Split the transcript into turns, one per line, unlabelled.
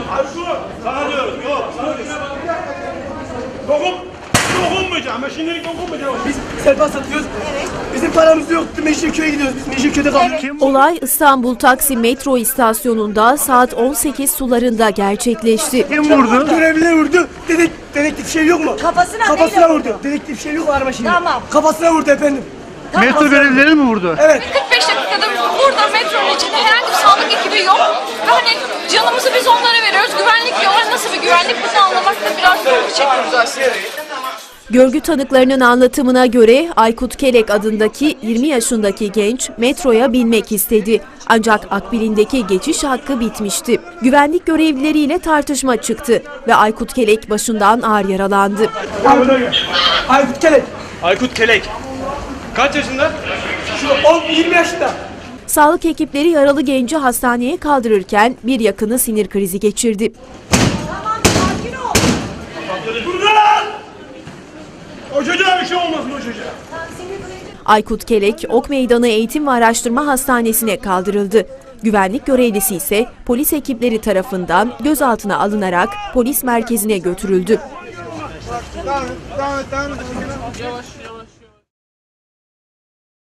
Sana diyorum. Yok. Dokunmayacağım. Ben şimdilik dokunmayacağım.
Biz serpas satıyoruz. Evet. Bizim paramız yoktu. Meşriköy'e gidiyoruz. Biz Meşriköy'de kalıyoruz.
Olay İstanbul Taksim metro istasyonunda saat 18 sularında gerçekleşti.
Kim vurdu? Görevliler vurdu. Dedektif şey yok mu? Kafasına vurdu. Dedektif şey yok mu araba şimdi?
Tamam.
Kafasına vurdu efendim.
Metro görevlileri mi vurdu?
Evet.
45 dakikada burada metronun içinde herhangi bir sağlık ekibi yok. Ve hani canımızı biz onlara veriyoruz. Güvenlik diyorlar. Nasıl bir güvenlik bunu anlamakta biraz zorluk çekiyoruz aslında.
Görgü tanıklarının anlatımına göre Aykut Kelek adındaki 20 yaşındaki genç metroya binmek istedi. Ancak akbilindeki geçiş hakkı bitmişti. Güvenlik görevlileriyle tartışma çıktı ve Aykut Kelek başından ağır yaralandı.
Aykut Kelek.
Aykut Kelek. Kaç yaşında?
Şu 20 yaşında.
Sağlık ekipleri yaralı genci hastaneye kaldırırken bir yakını sinir krizi geçirdi.
O çocuğa bir şey olmasın o çocuğa.
Aykut Kelek, Ok Meydanı Eğitim ve Araştırma Hastanesi'ne kaldırıldı. Güvenlik görevlisi ise polis ekipleri tarafından gözaltına alınarak polis merkezine götürüldü.
Yavaş.